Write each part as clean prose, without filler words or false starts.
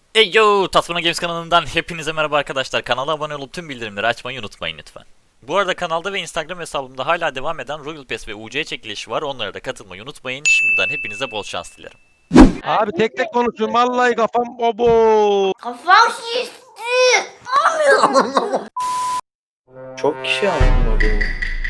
Hey yo! Tatmana Games kanalından hepinize merhaba arkadaşlar. Kanala abone olup tüm bildirimleri açmayı unutmayın lütfen. Bu arada kanalda ve Instagram hesabımda hala devam eden Royal Pass ve UC çekilişi var. Onlara da katılmayı unutmayın. Şimdiden hepinize bol şans dilerim. Abi tek tek konuşuyorum. Vallahi kafam obo. Kafam şişti. Çok kişi anlamadı.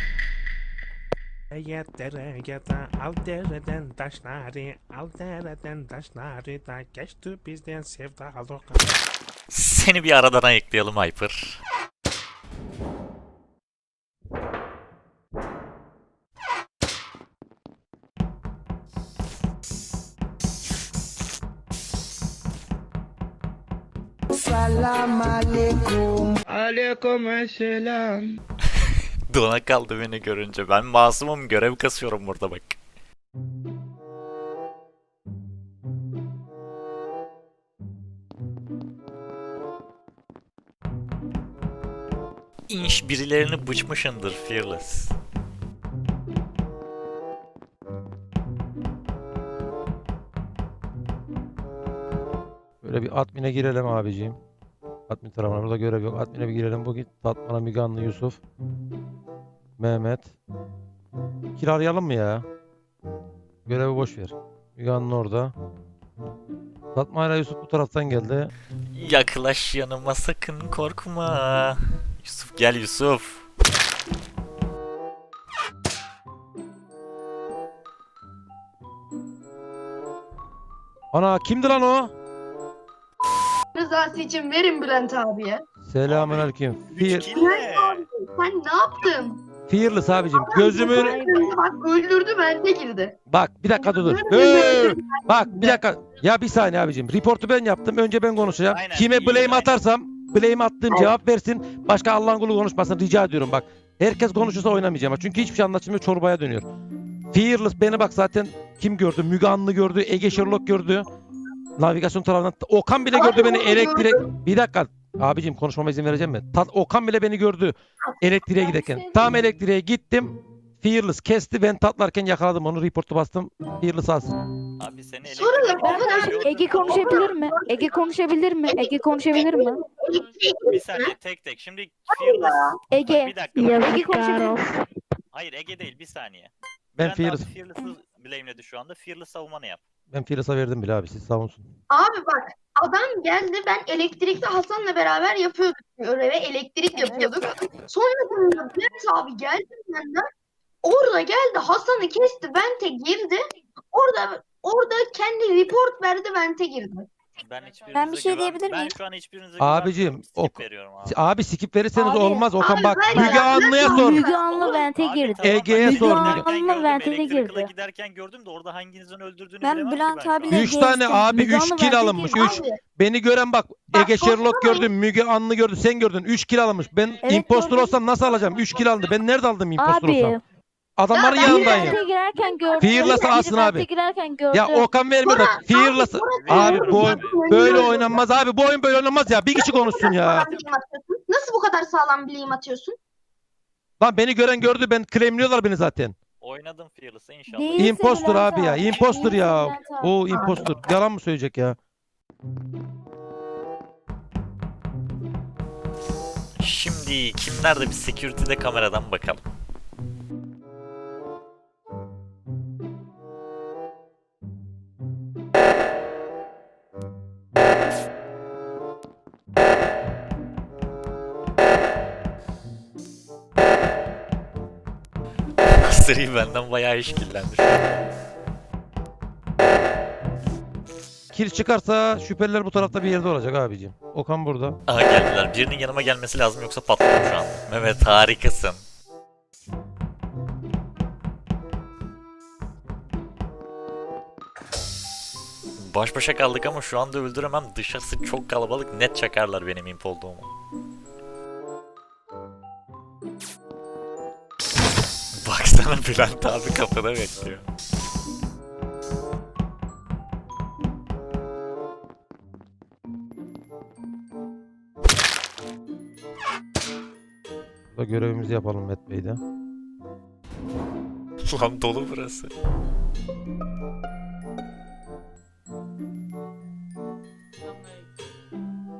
Al dereden taşları, al dereden taşları da geçti bizden sevdalık. Seni bir aradan ayıklayalım Hyper. Aleykümselam. Dona kaldı beni görünce. Ben masumum, görev kasıyorum burada bak. İnş birilerini bıçmışındır Fearless. Böyle bir admin'e girelim abiciğim. Admin tarafına burada görev yok. Admin'e bir girelim. Bu git Tatmana Miganlı Yusuf. Mehmet. Kiralayalım mı ya? Görevi boş ver. Miganlı orada. Tatmana Yusuf bu taraftan geldi. Yaklaş yanıma, sakın korkma. Yusuf gel Yusuf. Ana kimdi lan o? Rızası için verin Bülent abiye. Selamünaleyküm. Bülent abi sen ne yaptın? Fearless abicim. Gözümün... Bak öldürdü bende girdi. Bak bir dakika dur. Bak bir dakika. Ya bir saniye abicim. Reportu ben yaptım. Önce ben konuşacağım. Aynen, Kime iyi, blame aynen. atarsam blame attığım cevap versin. Başka Allah'ın kulu konuşmasın. Rica ediyorum bak. Herkes konuşursa oynamayacağım. Çünkü hiçbir şey anlaşılmıyor. Çorbaya dönüyor. Fearless beni bak zaten kim gördü? Müge Anlı gördü. Ege Sherlock gördü. Navigasyon tarafından. Okan bile gördü beni elektrik. Bir dakika. Abicim konuşmama izin vereceğim mi? Okan bile beni gördü elektriğe giderken. Tam elektriğe gittim. Fearless kesti. Ben tatlarken yakaladım onu. Reportu bastım. Fearless alsın. Abi seni Sorun yok, o kadar. Ege konuşabilir mi? Ege konuşabilir mi? Ege konuşabilir mi? Bir saniye tek tek. Şimdi Fearless. Ege. Bir dakika. Ege konuşabilir mi? Hayır Ege değil, bir saniye. Ben Bülent Fearless. abi Fearless'ı blameledi şu anda. Fearless savunmanı yap. Ben Fearless'a verdim bile abi. Siz savunsun. Abi bak adam geldi, ben elektrikte Hasan'la beraber yapıyorduk görevi, elektrik yapıyorduk. Sonra Bülent abi geldi benden. Orada geldi Hasan'ı kesti, vente girdi. Orada kendi report verdi, vente girdi. Ben bir şey diyebilir Ben miyim? şu an hiçbirinize Abicim, güvenmiyorum. Skip o- veriyorum abi. Abi skip verirseniz Abi, olmaz. Okan abi bak. ben- Müge Anlı'ya sor. Müge Anlı vente Abi girdi. tamam, Ege'ye ben sor, giderken Müge Anlı gördüm, ventile Electrical'a girdi. giderken gördüm de orada hanginizin öldürdüğünü Ben bilemem ki Bülent şu an. abiyle 3 tane geçtim. abi Müge 3 Anlı kill vente alınmış. girdi. 3. Beni gören bak. Ege Sherlock konuşmayın. gördü. Müge Anlı gördü. Sen gördün. 3 kill alınmış. Ben Evet, impostor gördüm. olsam nasıl alacağım? 3 kill aldı. Ben nerede aldım impostor Abi. olsam? Adamların Ya ben yanındayım. Vente girerken gördüm. Fearless'ı Biri alsın abi. vente girerken gördüm. Ya Okan vermiyor da Fearless. Abi bu oyun böyle oynanmaz abi. Bu oyun böyle oynanmaz ya. Bir kişi konuşsun ya. Nasıl bu kadar sağlam bileğim atıyorsun? Lan beni gören gördü. Ben claimliyorlar beni zaten. Oynadım Fearless'ı inşallah. Değilsin Impostor Bülent abi ya. abi. Impostor Değilsin ya. Bülent abi. O impostor. Yalan mı söyleyecek ya? Şimdi kimler de bir security'de kameradan bakalım. Seri benden bayağı işkillendi şu an. Kill çıkarsa şüpheliler bu tarafta bir yerde olacak abicim. Okan burada. Aha geldiler. Birinin yanıma gelmesi lazım yoksa patlarım şu an. Mehmet harikasın. Baş başa kaldık ama şu anda öldüremem. Dışarısı çok kalabalık. Net çakarlar benim imp olduğumu. Baksana Bülent abi kapıda bekliyor. Burada görevimizi yapalım Met Bey'de. Lan dolu burası.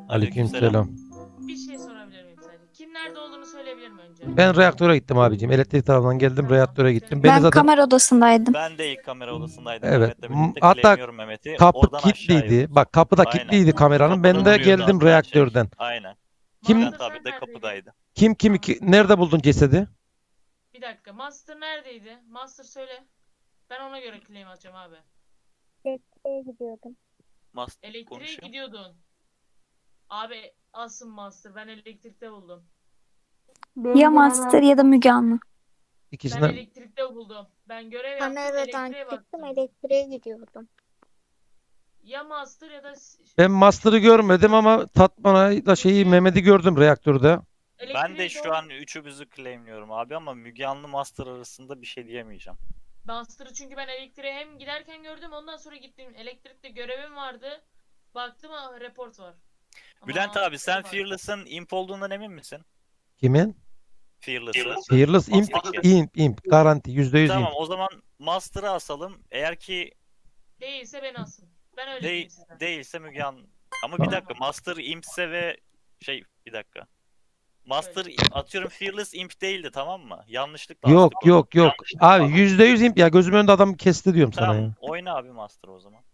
Aleykümselam. Bir şey sorabilir miyim sadece? Kim nerede olduğunu söyleyebilir mi önce? Ben reaktöre gittim abicim. Elektrik tarafından geldim, Tamam. reaktöre gittim. Beni Ben zaten kamera odasındaydım. Ben de ilk kamera odasındaydım. Evet. Mehmet'le birlikte Hatta claimliyorum Mehmet'i. kapı Oradan aşağı kilitliydi. yürüdük. Bak kapıda Aynen. kilitliydi kameranın. Ben Kapıda de duruyordu geldim hatta şey. reaktörden. Aynen. Kim- Bülent Master abi sen de neredeydin? kapıdaydı. Kim nerede buldun cesedi? Bir dakika. Master neredeydi? Master söyle. Ben ona göre claim atacağım abi. Elektriğe gidiyordum. Master Elektriğe konuşuyor. gidiyordun. Abi asın Master. Ben elektrikte buldum. Ya Master ya da Müge Anlı. Ben İkisinden. elektrikte buldum. Ben görev yaptım. Kameradan Elektriğe çıktım, baktım. elektriğe gidiyordum. Ya Master ya da Ben Master'ı görmedim ama Tatman'la şeyi Mehmet'i gördüm reaktörde. Ben de elektriğe şu doğru- an üçümüzü claimliyorum abi ama Müge Anlı Master arasında bir şey diyemeyeceğim. Master'ı çünkü ben elektriğe hem giderken gördüm, ondan sonra gittim. Elektrikte görevim vardı. Baktım report var. Ama Bülent abi sen var. Fearless'ın imp olduğundan emin misin? Kimin? Fearless'ın. Fearless imp, Master. imp. Garanti %100 Tamam imp. o zaman Master'ı asalım. Eğer ki Değilse beni asın. Ben öyle diyeyim size. değilse Müge Anlı. Ama bir dakika Master impse ve bir dakika. Master atıyorum Fearless imp değildi tamam mı? Yanlışlıkla Yok astık onu. yok yok. Yanlışlıkla Abi astık. %100 imp ya. Gözümün önünde adam kesti diyorum sana Tamam ya. oyna abi Master o zaman.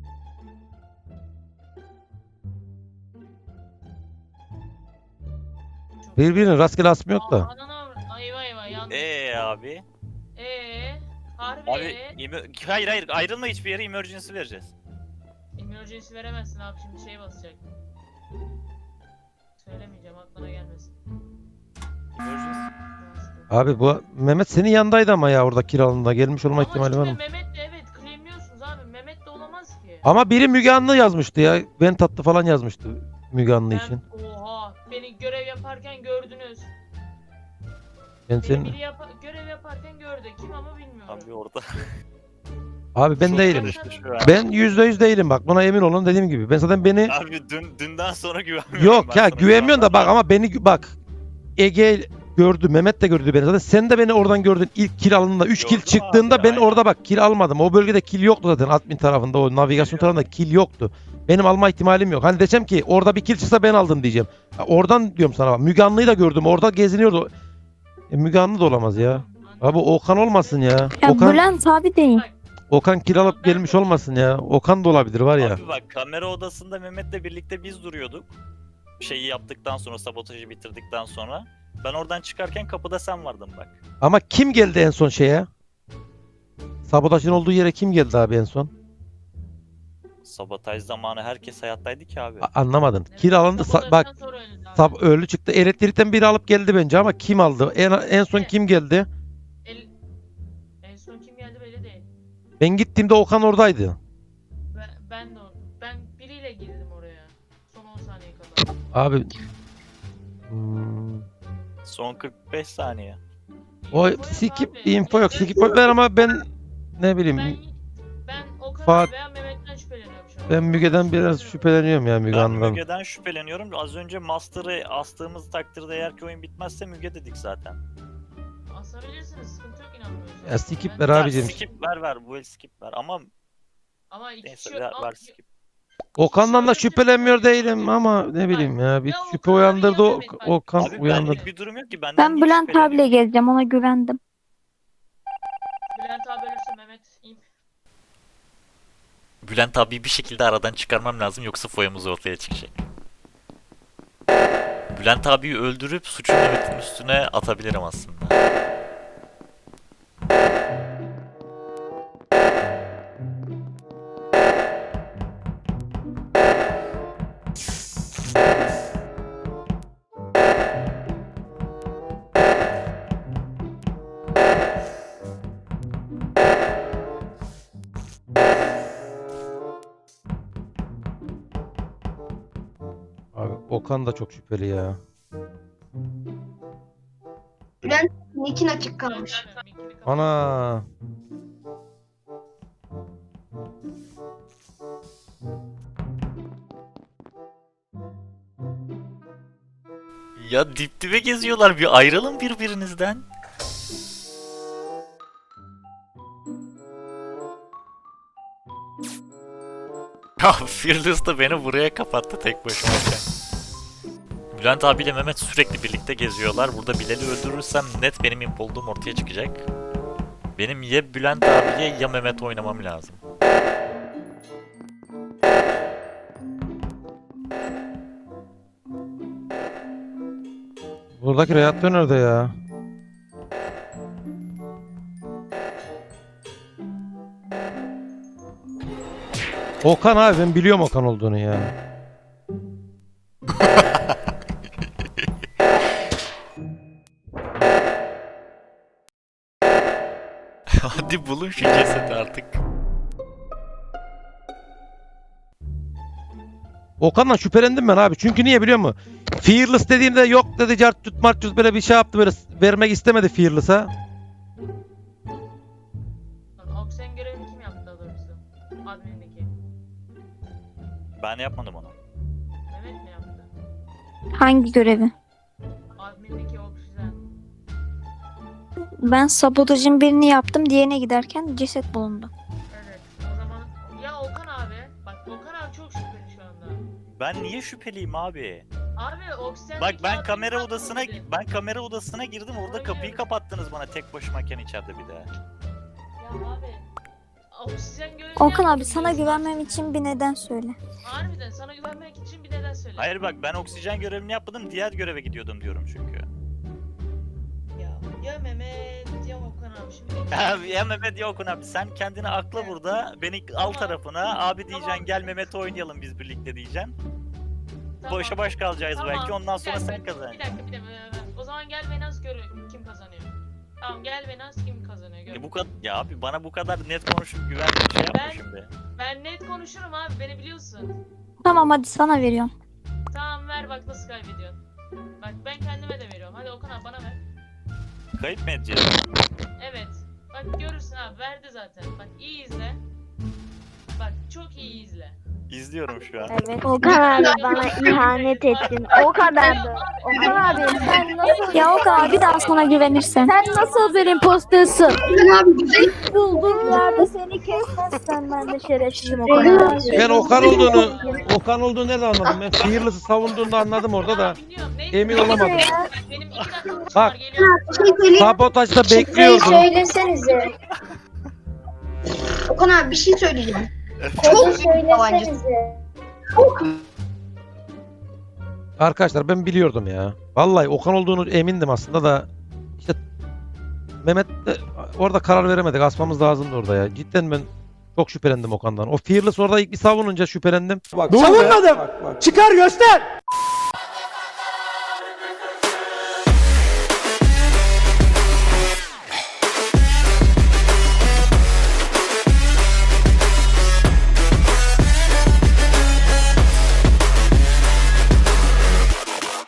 Çok- Birbirinin rastgele asmı yok da. Ananı ayva ayva yanlış. Abi. Harbi Abi hayır ayrılma hiçbir yere emergency vereceğiz. Emergency veremezsin abi, şimdi şey basacak. Söylemeyeceğim, aklına gelmesin. Emergency. Abi bu Mehmet senin yanındaydı ama ya orada kiralığında gelmiş olma Ama ihtimali var işte mı? Mehmet de evet claimliyorsunuz abi. Mehmet de olamaz ki. Ama biri Müge Anlı yazmıştı ya. Ben tatlı falan yazmıştı Müge Anlı için. Oha, beni görev yaparken gördünüz. Ben Beni senin biri görev yaparken gördü. Kim ama bilmiyorum. Abi orada. abi ben Çok değilim. karıştı şu an. Ben %100 değilim bak. Buna emin olun dediğim gibi. Ben zaten beni Abi dünden sonra güvenmiyorum. yok ben ya sana güvenmiyorsun da şu an. bak ama beni bak Ege gördü. Mehmet de gördü beni zaten. Sen de beni oradan gördün. İlk kill alındığında 3 kill Gördüm çıktığında abi, ben aynen. orada bak kill almadım. O bölgede kill yoktu zaten admin tarafında. O navigasyon tarafında kill yoktu. Benim alma ihtimalim yok. Hani desem ki orada bir kill çıksa ben aldım diyeceğim. Ya oradan diyorum sana bak. Müge Anlı'yı da gördüm. Orada geziniyordu. Müge Anlı da olamaz ya. Abi Okan olmasın ya. Ya Okan Bülent abi değil. Okan kill alıp gelmiş olmasın ya. Okan da olabilir var ya. Abi bak kamera odasında Mehmet'le birlikte biz duruyorduk. Şeyi yaptıktan sonra sabotajı bitirdikten sonra. Ben oradan çıkarken kapıda sen vardın bak. Ama kim geldi en son şeye? Sabotajın olduğu yere kim geldi abi en son? Sabotaj zamanı herkes hayattaydı ki abi. Anlamadın. Kill alındı. Bak ölü çıktı. Elektrikten biri alıp geldi bence ama kim aldı? En son kim geldi? En son kim geldi belli değil. Ben gittiğimde Okan oradaydı. Ben biriyle girdim oraya. Son 10 saniye kadar. Abi Son 45 saniye. o Info yok skip abi. info yok. Skip ver ama ben ne bileyim. Ben Okan Fuat- veya Mehmet'ten şüpheleniyorum şu an. Ben Müge'den biraz şüpheleniyorum ya Müge Ben Anlı'dan. Müge'den şüpheleniyorum. Az önce Master'ı astığımız takdirde eğer ki oyun bitmezse Müge dedik zaten. Asabilirsiniz, sıkıntı yok, inanmıyorsanız. Ya skip Ben- ver Ya abicim. skip ver bu el skip ver ama Ama iki neyse kişi ver skip. Okan'dan da şüphelenmiyor değilim ama ne bileyim ya bir Ya şüphe Okan abi uyandırdı ya o Mehmet bak. Okan Abi uyandırdı. benlik bir durum yok ki benden Ben niye Bülent abiyle şüpheleniyorsun? gezeceğim, ona güvendim. Bülent abi ölürse Mehmet imp. Bülent abi bir şekilde aradan çıkarmam lazım yoksa foyamız ortaya çıkacak. Bülent abiyi öldürüp suçu Mehmet'in üstüne atabilirim aslında. Abi Okan da çok şüpheli ya. Nick'in açık kalmış. Bülent abi, mikrofonu kapat. Ana. Ya dip dibe geziyorlar bir ayrılın birbirinizden. Ya Fearless da beni buraya kapattı tek başıma. Bülent abiyle Mehmet sürekli birlikte geziyorlar. Burada Bilal'i öldürürsem net benim imp olduğum ortaya çıkacak. Benim ya Bülent abiye ya Mehmet oynamam lazım. Buradaki reaktör nerede ya? Okan abi, ben biliyorum Okan olduğunu ya. Hadi bulun şu cesedi artık. Okan'dan şüphelendim ben abi. Çünkü niye biliyor musun? Fearless dediğimde yok dedi, cart tut mart tut, böyle bir şey yaptı, böyle vermek istemedi Fearless'a. Oksijen görevini kim yaptı daha doğrusu? Admin'deki. Ben yapmadım onu. Mehmet mi yaptı? Hangi görevi? Admin'deki oksijen. Ben sabotajın birini yaptım. Diğerine giderken ceset bulundu. Evet. O zaman ya Okan abi. Bak Okan abi çok şüpheli şu anda. Ben niye şüpheliyim abi? Abi oksijen. Bak ben kamera odasına girdim, orada kapıyı kapattınız bana tek başımayken içeride bir de. Ya abi. Oksijen görevini Okan abi yaptım sana diyorsun. güvenmem için bir neden söyle. Harbiden sana güvenmek için bir neden söyle. Hayır bak, ben oksijen görevini yapmadım, diğer göreve gidiyordum diyorum çünkü. Ya Mehmet ya Okan abi şimdi. Abi ya Mehmet ya Okun abi, sen kendini akla burada, beni al tarafına, abi diyeceksin gel Mehmet oynayalım biz birlikte diyeceksin. Tamam. Boşa baş kalacağız Tamam, belki, ondan sonra bir sen dakika, kazanacaksın. Bir dakika. O zaman gel ve Naz gör kim kazanıyor. Tamam gel ve Naz kim kazanıyor gör. Bu kadar ya abi, bana bu kadar net konuşup güvenli şey yapma Ben- şimdi. Ben net konuşurum abi beni biliyorsun. Tamam hadi sana veriyorum. Tamam ver bak nasıl kaybediyorsun. Bak ben kendime de veriyorum. Hadi Okan abi bana ver. Kayıp mı edeceğiz? Evet. Bak görürsün abi verdi zaten. Bak iyi izle. Bak çok iyi izle. İzliyorum şu an. Evet. Okan abi bana ihanet ettin. O kadardı. Okan abi sen nasıl... Ya Okan abi bir daha sana güvenirsen. Sen nasıl bir impostersun? Okan abi güzel. Buldum yerde seni kesmezsen ben de şerefsizim Okan abi. Ben Okan olduğunu nereden anladım? Ben Fearless'ı savunduğunda anladım orada da. Bilmiyorum, neyse. emin olamadım. Bak, benim 2 dakika Bak. var geliyorum. Bir şey söyleyeyim. Sabotajda bekliyordum. Söylesenize. Okan abi bir şey söyleyeceğim. Çok söylesenize. Çok Arkadaşlar ben biliyordum ya. Vallahi Okan olduğunu emindim aslında da. İşte Mehmet de orada karar veremedik. Asmamız lazımdı orada ya. Cidden ben çok şüphelendim Okan'dan. O Fearless orada ilk bir savununca şüphelendim. Savunmadım. Çıkar göster.